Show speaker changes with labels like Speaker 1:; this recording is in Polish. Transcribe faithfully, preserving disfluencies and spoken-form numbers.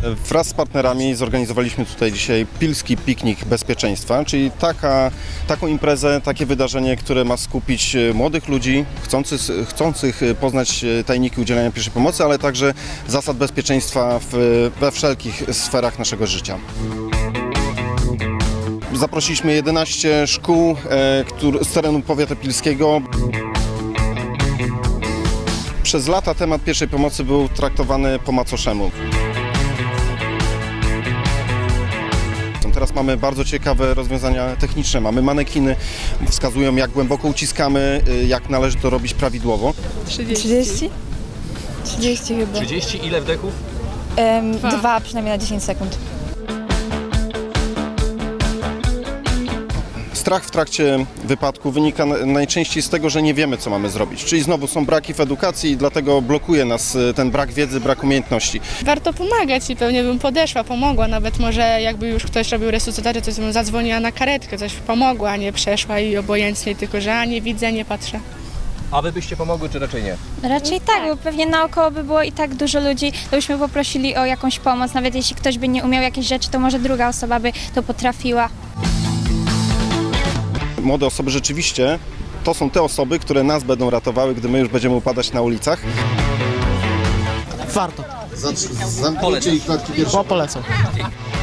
Speaker 1: Wraz z partnerami zorganizowaliśmy tutaj dzisiaj Pilski Piknik Bezpieczeństwa, czyli taka, taką imprezę, takie wydarzenie, które ma skupić młodych ludzi chcących, chcących poznać tajniki udzielania pierwszej pomocy, ale także zasad bezpieczeństwa w, we wszelkich sferach naszego życia. Zaprosiliśmy jedenaście szkół e, który, z terenu powiatu pilskiego. Przez lata temat pierwszej pomocy był traktowany po macoszemu. Teraz mamy bardzo ciekawe rozwiązania techniczne. Mamy manekiny, wskazują jak głęboko uciskamy, jak należy to robić prawidłowo.
Speaker 2: trzydzieści? trzydzieści chyba.
Speaker 3: trzydzieści ile wdechów?
Speaker 2: Um, dwa. dwa przynajmniej na dziesięć sekund.
Speaker 1: Strach w trakcie wypadku wynika najczęściej z tego, że nie wiemy, co mamy zrobić. Czyli znowu są braki w edukacji i dlatego blokuje nas ten brak wiedzy, brak umiejętności.
Speaker 4: Warto pomagać i pewnie bym podeszła, pomogła. Nawet może jakby już ktoś robił resuscytację, to bym zadzwoniła na karetkę, coś pomogła, a nie przeszła i obojętnie, tylko że a nie widzę, nie patrzę.
Speaker 3: A wy byście pomogły, czy raczej nie?
Speaker 5: Raczej tak, bo pewnie naokoło by było i tak dużo ludzi, to byśmy poprosili o jakąś pomoc. Nawet jeśli ktoś by nie umiał jakiejś rzeczy, to może druga osoba by to potrafiła.
Speaker 1: Młode osoby rzeczywiście to są te osoby, które nas będą ratowały, gdy my już będziemy upadać na ulicach.
Speaker 6: Warto.
Speaker 7: Zamknijcie ich klatki piersiowe.
Speaker 6: Polecam.